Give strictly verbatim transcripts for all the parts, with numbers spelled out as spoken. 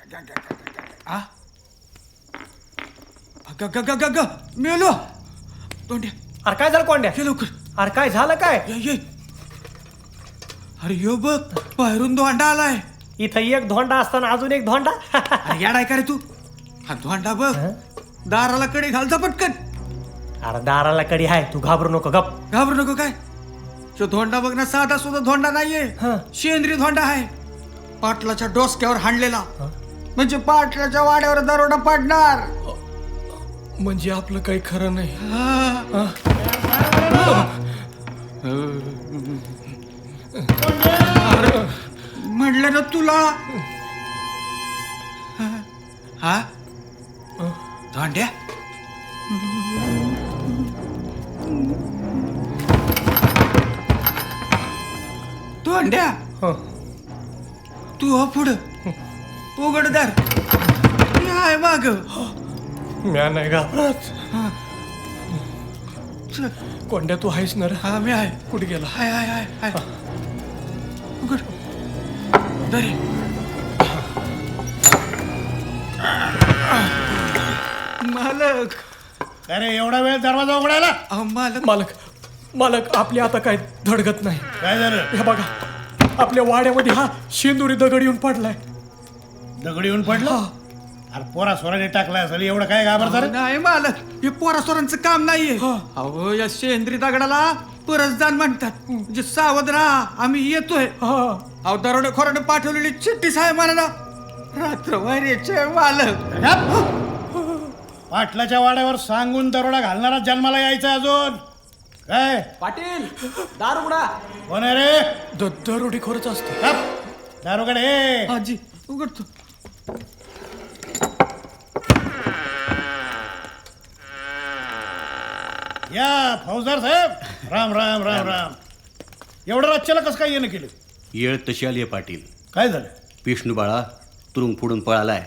आ ग ग ग ग मेलो तोंड्या. अरे काय झालं कोंड्या? ये लवकर. अरे काय झालं काय? ये ये. अरे यो बघ बाहेरून धोंडा आलाय. इथं एक धोंडा असताना अजून एक धोंडा. अरे याडाय का रे तू? हा धोंडा बघ दाराला कडे घालचा पटकन. अरे दाराला कडी आहे, तू घाबरू नको, गप. घाबरू नको काय? तो धोंडा बघ ना, साधा सुद्धा धोंडा नाहीये, शेंद्री धोंडा आहे. पाटलाच्या डोसक्यावर हाणलेला, म्हणजे पाटलाच्या वाड्यावर दरोडा पडणार. म्हणजे आपलं काही खरं नाही. म्हणलं ना तुला. हा धोंड्या धोंड्या तू हा पुढं उघडदार आहे माग. म्या नाही घाबरत. कोंड्या तू आहेस ना रे? हा मी आहे. कुठे गेला? हाय हाय हाय हाय. उघड दरे. मालक. अरे एवढा वेळ दरवाजा उघडायला? अहो मालक. मालक मालक आपली आता काय धडगत नाही. काय झालं? हे बघा आपल्या वाड्यामध्ये हा शेंदुरी दगड येऊन पडलाय. दगड येऊन पडलं? अरे पोरा सोराने टाकलाय असेल, एवढं काय घाबरता रे? नाही मालक, हे पोरासोरांचं काम नाहीये. अहो या शेंद्री दगडाला परसदान म्हणतात. म्हणजे सावध राहा, आम्ही येतोय. अहो दरोडे खोराने पाठवलेली चिठ्ठी साहेब मला रात्र वैरेचे मालक. पाटलाच्या वाड्यावर सांगून दरोडा घालणारा जन्माला यायचा अजून काय? पाटील दार उघडा. कोण आहे रे? दरोडी खोरच असतो. दारोगड हे. आजी उघडतो. या फौजदार साहेब, राम राम राम राम. एवढं राज्याला कसं काय येणं केलं? येळ तशी आली आहे पाटील. काय झालं? विष्णू बाळा तुरुंग फोडून पळालाय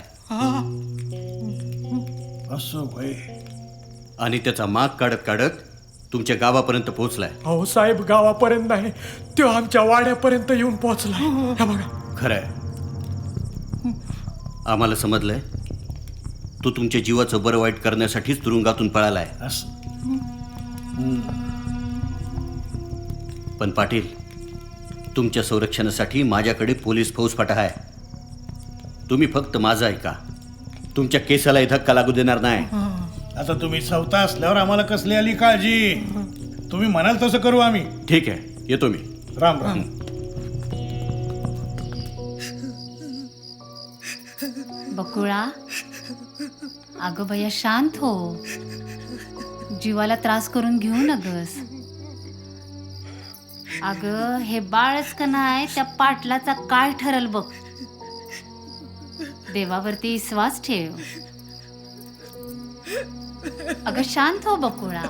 असं होय. आणि त्याचा माग काढत काढत तुमच्या गावापर्यंत पोहोचलाय. हो साहेब, गावापर्यंत नाही, तो आमच्या वाड्यापर्यंत येऊन पोहोचलाय. हे बघा. खरंय, आम्हाला समजलंय तो तुमच्या जीवाचं बरं वाईट करण्यासाठीच तुरुंगातून पळालाय. असं पण पाटील, तुमच्या संरक्षणासाठी माझ्याकडे पोलीस फौजफाटा आहे. तुम्ही फक्त माझं ऐका, तुमच्या केसाला धक्का लागू देणार नाही. आता तुम्ही सवता असल्यावर आम्हाला कसली आली काळजी? तुम्ही म्हणाल तसं करू आम्ही. ठीक आहे, येतो मी. राम राम. बकुळा, अगं भैया शांत हो, जीवाला त्रास करून घेऊ नगस. अगं हे बाळच का नाही, त्या पाटलाचा काय ठरल बघ. देवावरती विश्वास ठेव. अगं शांत हो बकुळा.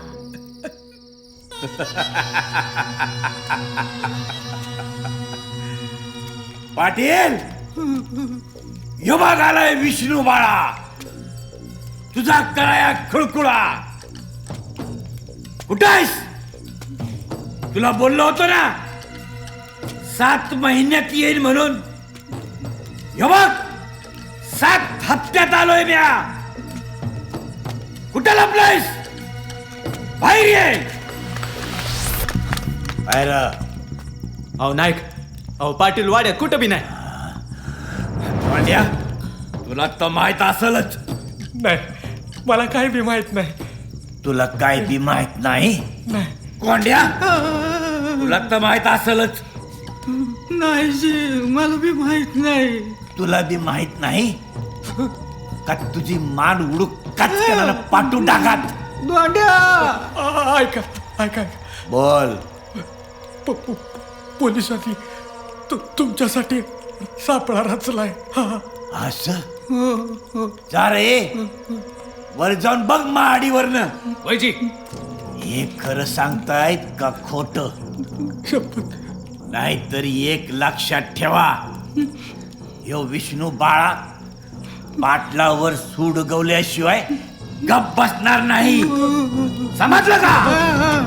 पाटील यो भाग आलाय विष्णू बाळा, तुझा कराया खुळकुळा. कुठं आहेस? तुला बोललो होतो ना सात महिन्यात येईल म्हणून. यो बघ सात हप्त्यात आलोय म्या. कुठं लपलायस? बाहेर ये. बाहेर. अहो नाईक, अहो पाटील वाड्यात कुठं बी नाही. पांड्या, तुला तर माहित असेलच. नाही, मला काही बी माहित नाही. तुला काय बी माहित नाही? नाही. कोंड्या, तुला तर माहित असेलच. नाही जी, मला बी माहित नाही. तुला बी माहित नाही का? तुझी मान उडूक काचकनाला पाठवून टाकात. धोंड्या आ- ऐका ऐका ऐका. बोल. प- प- पोलिसांनी तु- तुमच्यासाठी सापळा रचलाय. हा. असं जा रे, वर जाऊन बघ माडीवरनं. वैजी, हे खरं सांगतायत का खोट? शपथ. नाहीतर एक लक्षात ठेवा, ह्यो विष्णू बाळा पाटलावर सूड गवल्याशिवाय गप बसणार नाही. समजलं का?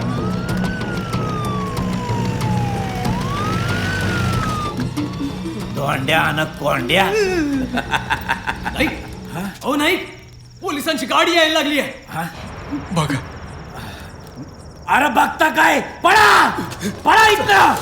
धोंड्या आणि कोंड्या. नाही हो नाही पोलिसांची गाडी यायला लागली आहे. बघा अरे बघता काय, पळा पळा इथं.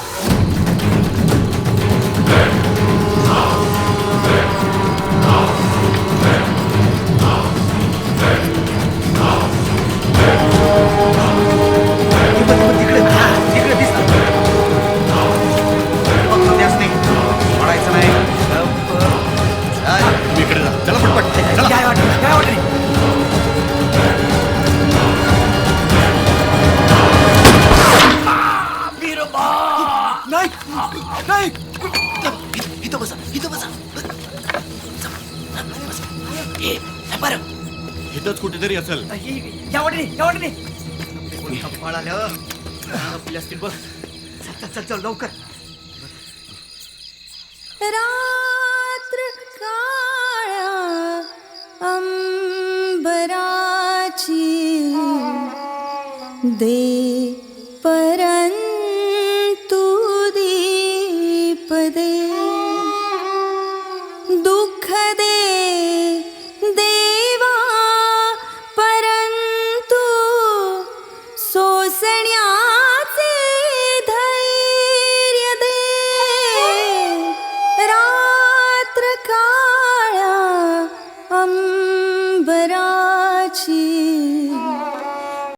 तुम्ही इकडे जा. चला पटपट चला. नाही नाही इथंच कुठेतरी असेल. रात्र काळ्या अंबराची दे